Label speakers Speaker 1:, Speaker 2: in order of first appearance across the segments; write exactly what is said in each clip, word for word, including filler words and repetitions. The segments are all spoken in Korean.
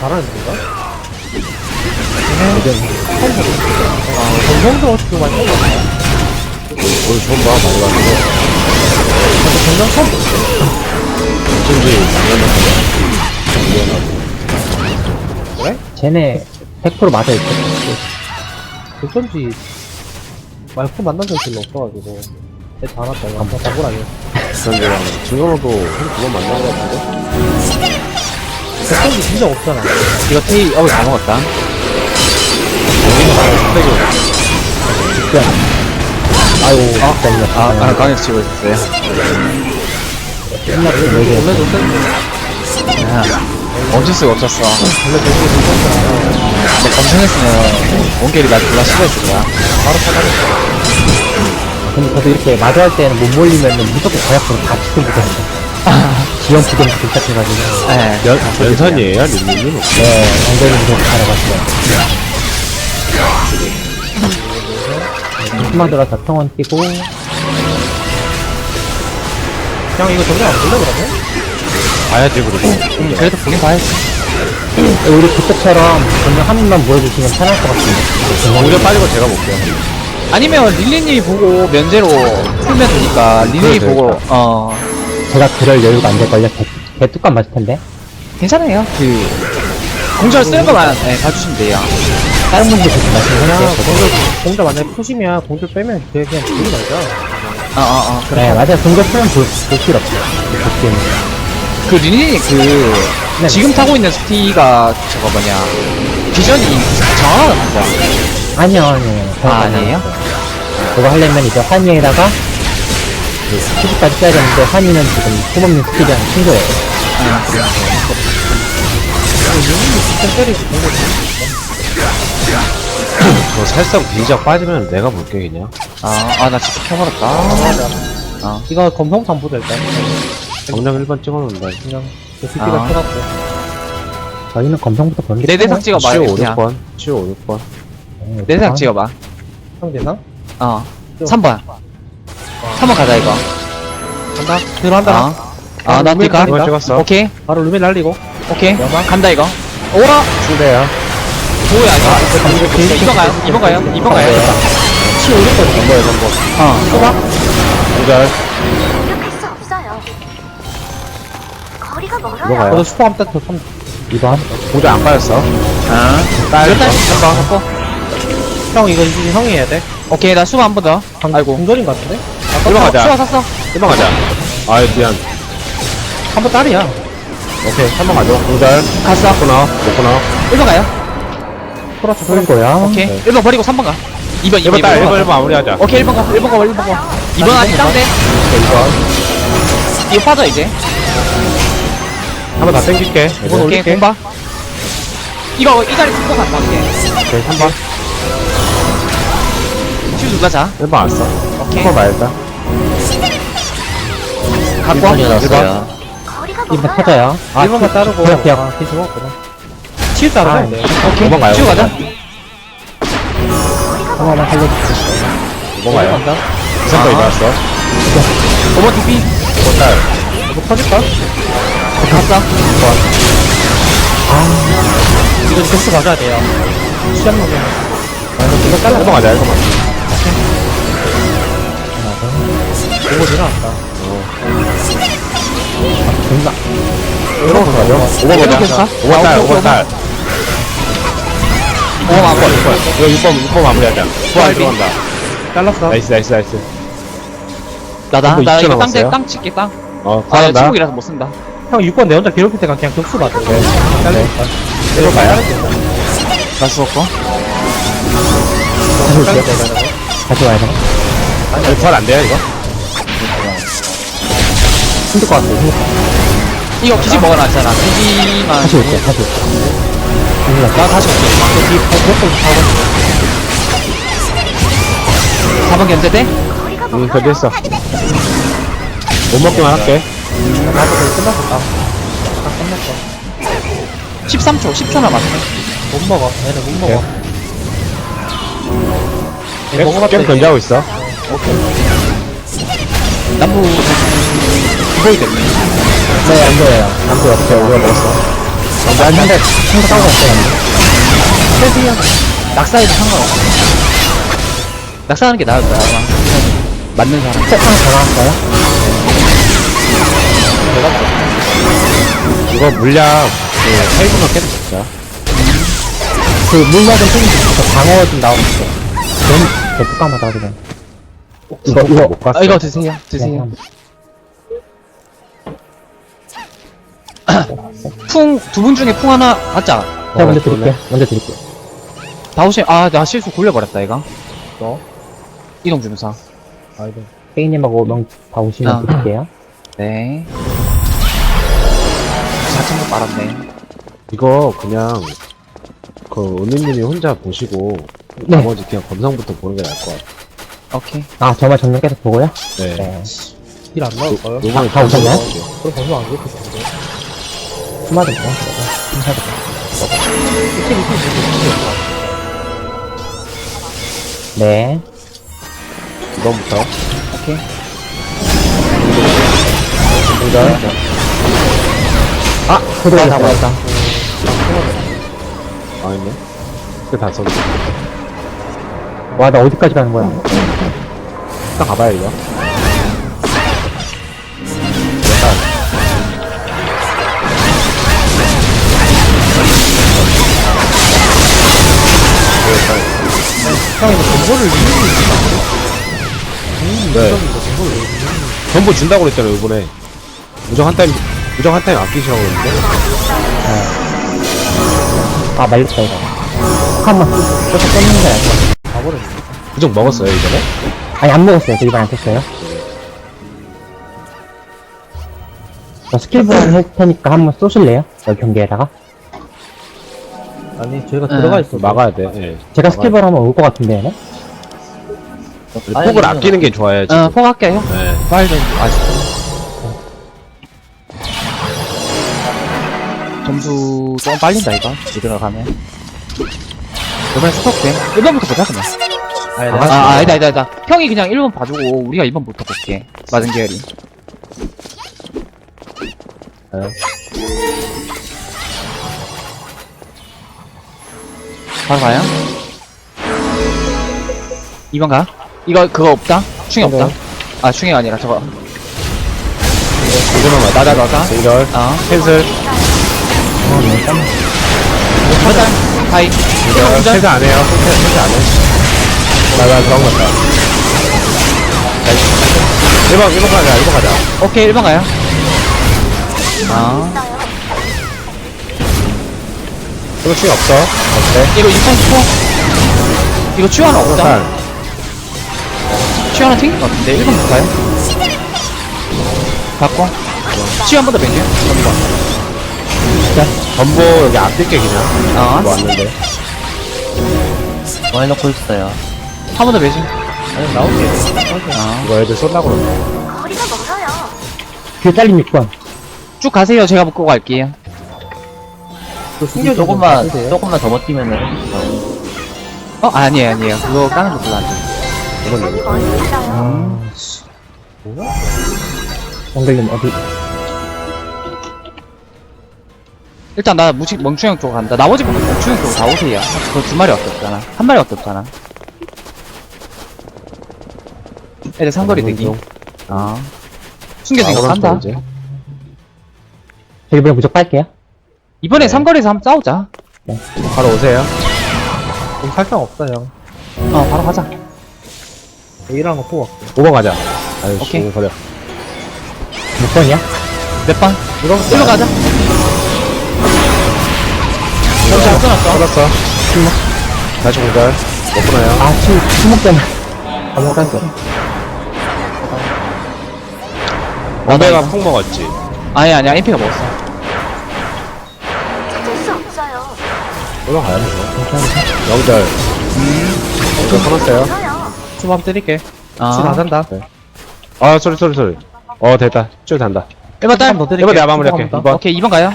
Speaker 1: 잘하는 데인가? 아, 정성도 어떻게 많이 먹었어?
Speaker 2: 오늘 처음 봐, 많이 봤는데.
Speaker 1: 나도 정성 처음 봤어.
Speaker 2: 어쩐지,
Speaker 1: 그래?
Speaker 3: 쟤네 백 퍼센트 맞아있어.
Speaker 1: 어쩐지 말코 만난 적이 별로 없어가지고 애 다 왔다. 이거 한번 잡으라니.
Speaker 2: 지난주랑 진경호도 한 두 번 만난 것 같은데?
Speaker 1: 백성이 진짜 없잖아.
Speaker 4: 이거 테이, 어우, 다 먹었다.
Speaker 3: 아이고,
Speaker 4: 아,
Speaker 3: 진짜
Speaker 4: 아, 아, 강력 치고 있었어요.
Speaker 3: 끝났어, 네
Speaker 1: 원래 도
Speaker 4: 아, 멈출 수가 없었어. 근데 검색했으면, 원길이 날 졸라 싫어했을 거야.
Speaker 1: 바로 사다녔어.
Speaker 3: 근데 저도 이렇게 마주할 때는 못 몰리면은 무조건 과약으로 다 치킨 붙었어. 지연 부정 부탁해가지고.
Speaker 4: 네.
Speaker 2: 연, 연산이에요, 린린님?
Speaker 3: 네, 엉덩이 무조건 알아봤어요. 한번 들어서 평원 뛰고,
Speaker 1: 그냥 이거 정리 안 볼래 그러면?
Speaker 2: 봐야지, 그리고.
Speaker 4: 음, 그래도 보긴 봐야지.
Speaker 3: 우리 그때처럼 그냥 한 입만 보여주시면 편할 것 같은데.
Speaker 2: 공전 빠지고 제가 볼게요.
Speaker 4: 아니면 릴리님이 보고 면제로 풀면 되니까, 릴리님이
Speaker 2: 그래도
Speaker 4: 보고,
Speaker 2: 되겠다.
Speaker 4: 어,
Speaker 3: 제가 그럴 여유가 안 될걸요? 개, 개 뚜껑 맞을 텐데.
Speaker 4: 괜찮아요. 그, 공절 쓰는 것만, 네, 봐주시면 돼요.
Speaker 3: 다른 분들 그렇게
Speaker 1: 그냥
Speaker 3: 말씀하셨어요.
Speaker 1: 공절 공절 만약에 푸시면 공절 빼면 그냥 그냥 보지 말자.
Speaker 4: 어, 어, 어.
Speaker 3: 네, 맞아요. 동전 쓰면 볼, 볼 필요 없어요. 볼게요.
Speaker 4: 그 릴리님 그,
Speaker 3: 네.
Speaker 4: 지금 타고 있는 스티가, 저거 뭐냐, 비전이 정확하다, 진짜.
Speaker 3: 아니요, 아니요.
Speaker 4: 아, 아니에요?
Speaker 3: 그거 하려면 이제 환희에다가 그 스피드까지 써야 되는데 환희는 지금 소모님 스피드랑 친구예요.
Speaker 4: 아, 그래요.
Speaker 1: 진짜 때리지 공절.
Speaker 2: 저 살짝 비작 빠지면 내가 볼게, 그냥.
Speaker 4: 아, 아, 나 진짜 켜버렸다. 아,
Speaker 1: 이거 검성상 보자 일단.
Speaker 2: 정량 일 번 찍어놓는다.
Speaker 1: 그냥 스피가
Speaker 4: 아.
Speaker 1: 켜갖고.
Speaker 3: 저희는 검성부터 보는 게
Speaker 4: 내 대상 찍어봐,
Speaker 2: 치오
Speaker 4: 그냥.
Speaker 2: 오육 번. 치오 오육 번.
Speaker 3: 편해요.
Speaker 4: 내 대상 찍어봐.
Speaker 1: 형 대상?
Speaker 4: 어. 삼 번. 삼 번 가자, 이거.
Speaker 1: 간다. 들어간다.
Speaker 4: 어. 아, 나
Speaker 1: 루멘
Speaker 4: 뛸까?
Speaker 2: 이거 찍었어.
Speaker 4: 오케이.
Speaker 1: 바로 루멘 날리고.
Speaker 4: 오케이.
Speaker 1: 여만.
Speaker 4: 간다, 이거. 오라!
Speaker 2: 추대야.
Speaker 4: 뭐야, 이거. 이번 가요? 이번 가요? 이번 가요?
Speaker 1: 치 오십 번
Speaker 2: 한 번에 한 번.
Speaker 4: 어.
Speaker 1: 쏘봐.
Speaker 2: 공절.
Speaker 5: 공격할 수 없어요. 거리가 멀어요.
Speaker 2: 넘어가요.
Speaker 1: 저도 슈퍼 함딱 더 삼.
Speaker 3: 이번
Speaker 2: 공절 안 빠졌어.
Speaker 4: 아.
Speaker 2: 딸.
Speaker 4: 몇 달? 한번 갖고.
Speaker 1: 형 이거 이제 형이 해야 돼.
Speaker 4: 오케이, 나 수고 한 번 더. 아이고.
Speaker 1: 공절인 것 같은데?
Speaker 2: 일 번 가자.
Speaker 4: 수고 샀어.
Speaker 2: 일 번 가자. 아이, 미안.
Speaker 1: 한 번 딸이야.
Speaker 2: 오케이, 삼 번 가죠. 공절.
Speaker 4: 갔어.
Speaker 2: 먹고 나와. 먹고 나와.
Speaker 4: 일 번 가요?
Speaker 1: 플러스
Speaker 3: 쏠 거야.
Speaker 4: 오케이.
Speaker 2: 네.
Speaker 4: 일 번 버리고 삼 번 가. 이 번, 이
Speaker 2: 일
Speaker 4: 번,
Speaker 2: 번 딸. 일 번,
Speaker 4: 번.
Speaker 2: 일 번 마무리하자.
Speaker 4: 오케이, 일 번 가. 일 번 가, 일 번 가. 이 번 아직 딴데?
Speaker 2: 이 번.
Speaker 4: 이거 빠져, 이제.
Speaker 2: 한 번 다 땡길게.
Speaker 1: 이번
Speaker 4: 오케이,
Speaker 1: 올릴게.
Speaker 4: 공봐. 이거, 이 자리 두번 갔다 올게.
Speaker 2: 오케이, 삼 번.
Speaker 4: 실 누가 자?
Speaker 2: 일 번 왔어.
Speaker 4: 오케이.
Speaker 2: 일 번 말자.
Speaker 4: 갖고 와.
Speaker 2: 일 번.
Speaker 5: 거리가
Speaker 3: 이번
Speaker 5: 멀어요.
Speaker 3: 터져요.
Speaker 1: 일 번만 따르고.
Speaker 3: 기억, 기억.
Speaker 1: 아, 뒤집어 먹거든. 치유 따르면 돼.
Speaker 4: 오케이.
Speaker 2: 오 번 가요.
Speaker 4: 치고 가자.
Speaker 3: 한 번만 살려주세요.
Speaker 2: 일 번 가요.
Speaker 1: 간다.
Speaker 2: 이삼 번
Speaker 4: 아.
Speaker 2: 일어났어.
Speaker 4: 오 번 티피.
Speaker 2: 일 번 딸.
Speaker 1: 이거 터질까?
Speaker 4: 갔어.
Speaker 1: 이거 점수 가져야 돼요. 시합 먹으면. 아, 이거 이거 잘라.
Speaker 2: 일 번 가자, 일 번 가자.
Speaker 1: 이거 일어났다.
Speaker 3: 존나.
Speaker 2: 일 번 가죠. 오 번
Speaker 4: 계속
Speaker 2: 가자.
Speaker 4: 가?
Speaker 2: 오 번 딸,
Speaker 4: 아,
Speaker 2: 오 번 딸.
Speaker 4: 오 번 마무리.
Speaker 2: 육 번. 이거 육 번, 육 번 마무리하자. 부활 들어간다.
Speaker 1: 잘랐어.
Speaker 2: 나이스, 나이스, 나이스.
Speaker 4: 나다.
Speaker 2: 이거
Speaker 4: 나
Speaker 2: 이천
Speaker 4: 이거 땅,
Speaker 2: 남았어요?
Speaker 4: 땅 칠게, 땅.
Speaker 2: 어,
Speaker 4: 아,
Speaker 2: 구한다.
Speaker 4: 침묵이라서 못 쓴다.
Speaker 1: 형 육 번 내 혼자 괴롭힐 때가 그냥 격수 받아. 잘렸다.
Speaker 2: 일 번 가요.
Speaker 4: 나 죽었고.
Speaker 3: 다시 올게요. 다시 와야 돼.
Speaker 2: 아니, 부활 안 돼요, 이거?
Speaker 3: 힘들 것 같아요. 힘들 것 같아요.
Speaker 4: 이거 기지 먹어놨잖아. 기지만.
Speaker 3: 다시 올게요. 다시 올게요. 힘들 것
Speaker 4: 나 다시 올게. 사 번 견제돼?
Speaker 5: 거리가
Speaker 2: 응,
Speaker 5: 멀어요.
Speaker 2: 견디했어. 못 먹기만 할게.
Speaker 1: 나도 거의 끝났어. 다. 다 끝났어.
Speaker 4: 십삼 초, 십 초 남았어.
Speaker 1: 못 먹어. 얘는 못 먹어. 얘
Speaker 2: 계속
Speaker 1: 먹어봤더니
Speaker 2: 계속 견제하고 있어.
Speaker 4: 남부 기보이 됐네.
Speaker 3: 네, 안 보여요. 안 보여.
Speaker 2: 오케이, 우리가 먹었어.
Speaker 3: 난 상대, 상대 싸우고 있어요.
Speaker 4: 세세요. 낙사해도 상관없어. 낙사하는 게 나을 거야, 아마. 맞는 사람.
Speaker 3: 셋 하나 더 나왔어요?
Speaker 2: 이거 물약, 그, 살기만 깨도 진짜.
Speaker 3: 그 물약은 좀 있어. 방어 좀 나오겠어. 너무 개뚜까마다 하기 전에. 이거, 이거.
Speaker 2: 못 갔어.
Speaker 4: 아, 이거 드세요. 드세요. 풍, 두 분 중에 풍 하나, 맞자.
Speaker 3: 제가 먼저 드릴게요. 먼저 드릴게요.
Speaker 4: 다 오시, 아, 나 실수 굴려버렸다, 이거.
Speaker 1: 너?
Speaker 4: 이동 주문사.
Speaker 1: 아이고.
Speaker 3: 페이님하고 명 다 오시면
Speaker 4: 아.
Speaker 3: 드릴게요.
Speaker 4: 네. 사천 번 빨았네.
Speaker 2: 이거 그냥, 그, 은희님이 혼자 보시고,
Speaker 3: 네.
Speaker 2: 나머지 그냥 검상부터 보는 게 나을 것 같아.
Speaker 4: 오케이.
Speaker 3: 아, 정말 정면 계속 보고요?
Speaker 2: 네.
Speaker 3: 네.
Speaker 1: 힐 안 나올까요?
Speaker 2: 요번에
Speaker 3: 다 오셨나요?
Speaker 1: 그럼 벌써 안 그렇게 좋은데.
Speaker 3: 수마도 있고, 힘사도. 네.
Speaker 2: 이번부터.
Speaker 4: 오케이.
Speaker 3: 이걸. 아, 그대로 다 보였다.
Speaker 2: 아, 있네. 그다 썼네.
Speaker 3: 와, 나 어디까지 가는 거야?
Speaker 2: 일단 가봐야 이거.
Speaker 1: 형이 뭐 정보를
Speaker 2: 네. 전부 준다고 그랬잖아요, 이번에. 무정 한 타임, 무정 한 타임 아끼시라고 그랬는데.
Speaker 3: 아, 말렸다, 이거. 한번 쏘서 떴는 거야.
Speaker 1: 가버렸네.
Speaker 2: 무정 먹었어요, 이번에?
Speaker 3: 아니, 안 먹었어요. 저 이번 안 썼어요. 저 스킬 보완 할 테니까 한번 쏘실래요? 여기 경기에다가?
Speaker 1: 아니, 저희가
Speaker 4: 응.
Speaker 1: 들어가 있어.
Speaker 2: 막아야 돼, 예.
Speaker 3: 제가 스킬 보완 하면 올 것 같은데, 얘네?
Speaker 2: 폭을 아끼는 게 좋아요, 지금.
Speaker 4: 어, 포 할게요.
Speaker 2: 네.
Speaker 4: 빨리 좀, 아시죠? 점수 조금 빨린다, 이거. 이대로 가면. 이번에 스톱돼. 일 번부터 보자, 그냥.
Speaker 1: 아니,
Speaker 4: 아,
Speaker 1: 내가
Speaker 4: 아, 아니다, 아니다, 아니다. 형이 그냥 일 번 봐주고, 우리가 이 번부터 볼게. 맞은 계열이.
Speaker 2: 네.
Speaker 4: 바로 가요? 이 번 가? 이거, 그거 없다? 충이 없다? 아, 충이가 아니라 저거.
Speaker 2: 이거만 맞다.
Speaker 4: 나다, 너다.
Speaker 2: 이럴.
Speaker 4: 어.
Speaker 2: 캔슬.
Speaker 4: 맞다. 하이.
Speaker 2: 이럴.
Speaker 4: 운전.
Speaker 2: 캔슬 안 해요. 캔슬, 캔슬 안 해. 나, 나 들어간 것 같다. 일 번, 일 번 가자, 일 번 가자.
Speaker 4: 오케이, 일 번 가요. 아.
Speaker 2: 이거 충이 없어. 어때?
Speaker 4: 이거 육 번 스포? 이거 치유하는 없다?
Speaker 2: 살.
Speaker 4: 치유하는 튕긴 것 같은데? 일 번부터 가요? 바꿔. 치유 한 번 더 뱅겨.
Speaker 2: 전부 여기 아낄게, 그냥.
Speaker 4: 어.
Speaker 2: 뭐 왔는데.
Speaker 4: 뭐 해놓고 있어요? 한 번 더 매지.
Speaker 1: 아니, 나올게.
Speaker 4: 어.
Speaker 2: 이거 애들 쏠라고 그러네.
Speaker 5: 거리가 멀어요.
Speaker 3: 뒤에 잘린 육 번.
Speaker 4: 쭉 가세요. 제가 묶고 갈게요.
Speaker 1: 그 숨겨진
Speaker 6: 조금만,
Speaker 1: 좀
Speaker 6: 조금만 더 버티면은.
Speaker 4: 어? 아니에요, 아니에요. 그거 까는 거 별로 안 돼.
Speaker 5: 여기 멀리 있어요.
Speaker 3: 정글님 어디?
Speaker 4: 일단 나 무식 멍충형 쪽으로 간다. 나머지 분들 멍충형 쪽으로 다 오세요. 그거 두 마리밖에 없잖아. 한 마리밖에 없잖아. 애들 상거리 대기. 아. 숨겨진 거 간다.
Speaker 2: 이제.
Speaker 3: 저 이번에 무조건 빨게요.
Speaker 4: 이번에
Speaker 2: 네.
Speaker 4: 삼거리에서 한번 싸우자.
Speaker 2: 바로 오세요.
Speaker 1: 좀 살짝 없다, 형.
Speaker 4: 어, 바로 가자.
Speaker 1: A랑 거 뽑아 갈게.
Speaker 2: 오 번 가자. 아유,
Speaker 4: 오케이.
Speaker 2: 씨, 버려.
Speaker 3: 몇 번이야?
Speaker 4: 몇 번?
Speaker 1: 이거
Speaker 4: 일로 가자. 잠시 안 써놨어.
Speaker 2: 받았어. 다시 공절. 못 끊어요.
Speaker 3: 아, 침, 침묵 때문에. 아, 못 갔어.
Speaker 2: 원배가 폭 먹었지.
Speaker 4: 아니, 아니야. 엠피가 먹었어.
Speaker 5: 찾을 수 없어요.
Speaker 2: 올라가야죠. 영절. 음. 영절 끊었어요.
Speaker 5: 멀어요.
Speaker 1: 좀 한번 때릴게.
Speaker 4: 아.
Speaker 1: 다 잔다.
Speaker 2: 아, 소리, 소리, 소리. 어, 됐다. 쭉 단다.
Speaker 4: 일 번 딸.
Speaker 1: 한번 더 때릴게.
Speaker 2: 이번 내가 마무리할게.
Speaker 1: 한번 더.
Speaker 2: 이 번.
Speaker 4: 오케이, 이 번 가요.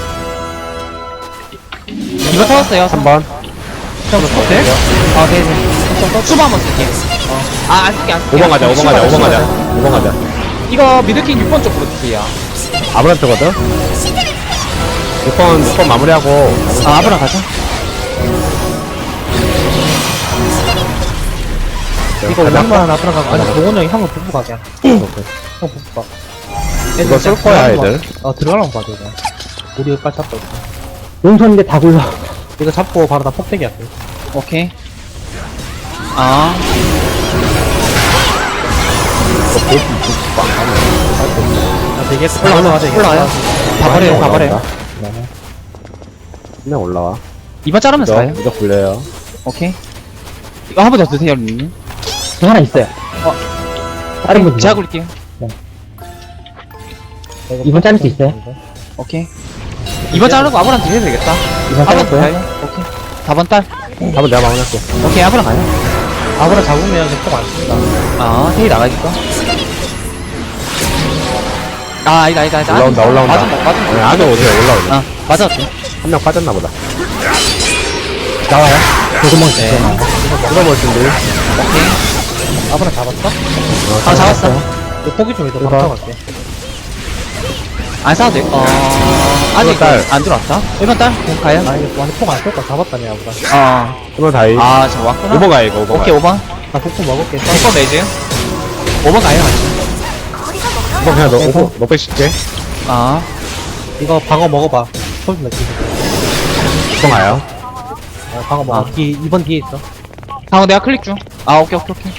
Speaker 4: 이 번 터졌어요.
Speaker 2: 삼 번.
Speaker 4: 형, 스포트? 아, 네네. 수바 한번 쓸게. 어. 아, 안 쓸게, 안 쓸게.
Speaker 2: 오 번 가자, 오 번 가자, 오 번
Speaker 4: 수바,
Speaker 2: 가자.
Speaker 4: 수바.
Speaker 2: 오 번 가자.
Speaker 4: 이거 미드킹 육 번 쪽으로 주세요.
Speaker 2: 아브란트거든? 육 번, 육 번 마무리하고.
Speaker 4: 아, 앞으로 가자.
Speaker 1: 이거 오백만 앞으로 가고 아니 동원 형이 한번 붙고 가게 형 붙고 가
Speaker 2: 이거 쏠 거야, 애들.
Speaker 1: 어 들어가면 봐줘 이거 우리 여기까지 잡고 있어.
Speaker 3: 용선인데 다 굴러.
Speaker 1: 이거 잡고 바로 다 폭대기 할게
Speaker 4: 오케이. 아,
Speaker 1: 아 되게 올라가자 이게
Speaker 4: 올라가요. 다 버려요, 다 버려요.
Speaker 2: 그냥 올라와.
Speaker 4: 이번 자르면서 가요.
Speaker 2: 무적, 무적 굴려요.
Speaker 4: 오케이. 이거 한 번 더 드세요, 님.
Speaker 3: 저 하나 있어요.
Speaker 4: 어.
Speaker 3: 다른 분
Speaker 4: 제가 굴릴게요.
Speaker 3: 이번 자를 수 있어요?
Speaker 4: 오케이. 이번 자르고 아브랑 드려도 되겠다.
Speaker 3: 이번
Speaker 4: 아브랑
Speaker 3: 자를게요.
Speaker 4: 가요. 오케이. 사 번 딸.
Speaker 2: 한번 내가 마무리할게.
Speaker 4: 오케이, 아브랑 가요.
Speaker 1: 아무나 잡으면 이제 폭안 씁니다
Speaker 4: 아, 테이 나가니까. 아, 아니다, 아니다, 아니다.
Speaker 2: 올라온다, 올라온다.
Speaker 4: 맞은 거, 맞은
Speaker 2: 아니,
Speaker 4: 거.
Speaker 2: 안에 오세요, 올라오네.
Speaker 4: 아, 맞았지.
Speaker 2: 한 명 빠졌나 보다.
Speaker 3: 나와요? 조금만
Speaker 4: 네.
Speaker 3: 주세요.
Speaker 2: 뚫어볼 준비.
Speaker 4: 오케이.
Speaker 1: 아무나 잡았어?
Speaker 4: 아, 잡았어.
Speaker 1: 이거 포기 좀 해도
Speaker 3: 이거.
Speaker 1: 감사할게
Speaker 4: 안 싸도 돼. 어, 아직
Speaker 2: 일번 딸.
Speaker 4: 안 들어왔다. 일 번 딸. 그럼 가요.
Speaker 1: 아 이거 완전 폭안 쏠까 잡았다니 아무나
Speaker 4: 어.
Speaker 2: 한번 다이.
Speaker 4: 아, 저 왔구나.
Speaker 2: 오 번 가요, 이거 오 번.
Speaker 4: 오케이, 오 번.
Speaker 1: 나 폭폭 먹을게
Speaker 4: 일 번 레이즈. 오 번 가요, 같이.
Speaker 5: 거리가
Speaker 2: 오 번 그냥 너,
Speaker 1: 네,
Speaker 2: 오 번, 너백 칠게.
Speaker 4: 아,
Speaker 1: 이거 방어 먹어봐 소리 나 지금
Speaker 2: 오 번 가요.
Speaker 1: 아, 방어 먹어
Speaker 4: 아.
Speaker 1: 뒤 이 번 뒤에 있어
Speaker 4: 방어 내가 클릭 중. 아, 오케이, 오케이, 오케이.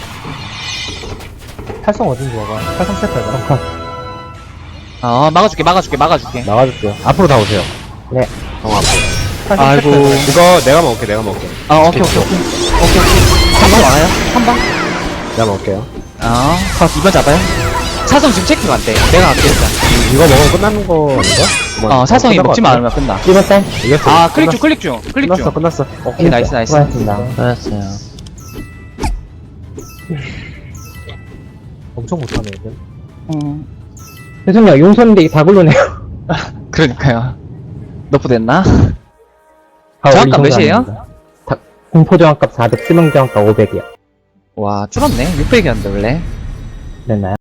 Speaker 1: 탈성 어딘지 봐봐 탈성 세트 해봐
Speaker 4: 아, 막아줄게, 막아줄게, 막아줄게.
Speaker 2: 나가줄게요. 앞으로 다 오세요.
Speaker 3: 네.
Speaker 2: 정 앞으로.
Speaker 1: 탈성
Speaker 4: 아이고.
Speaker 1: 세트 해봐.
Speaker 2: 이거 내가 먹을게, 내가 먹을게.
Speaker 4: 아, 오케이, 오케이, 오케이. 오케이, 오케이. 한 번 와요? 한 번?
Speaker 2: 내가 먹을게요.
Speaker 4: 아, 이 번 잡아요? 사성 지금 체크가 안 돼. 내가 할게, 일단.
Speaker 2: 이거 먹으면 끝나는 거 아닌가?
Speaker 4: 어, 사성이
Speaker 2: 끝난 거
Speaker 4: 먹지만
Speaker 2: 같아.
Speaker 4: 않으면 끝나.
Speaker 3: 이번 딸?
Speaker 2: 이겼어.
Speaker 4: 아, 클릭 중, 클릭 중, 클릭
Speaker 2: 끝났어,
Speaker 4: 중.
Speaker 2: 끝났어.
Speaker 4: 오케이, 나이스, 나이스.
Speaker 3: 수고하셨습니다.
Speaker 4: 알았어요.
Speaker 1: 엄청 못하네 애들
Speaker 4: 음,
Speaker 3: 죄송해요. 용선인데 이게 다 굴러네요.
Speaker 4: 그러니까요. 너프 됐나?
Speaker 3: 아,
Speaker 4: 저항값
Speaker 3: 우리 정도
Speaker 4: 몇이에요?
Speaker 3: 아닙니다. 다- 공포 저항값 사백, 수명 저항값 오백이요.
Speaker 4: 와, 줄었네. 육백이었는데, 원래.
Speaker 3: 됐나요?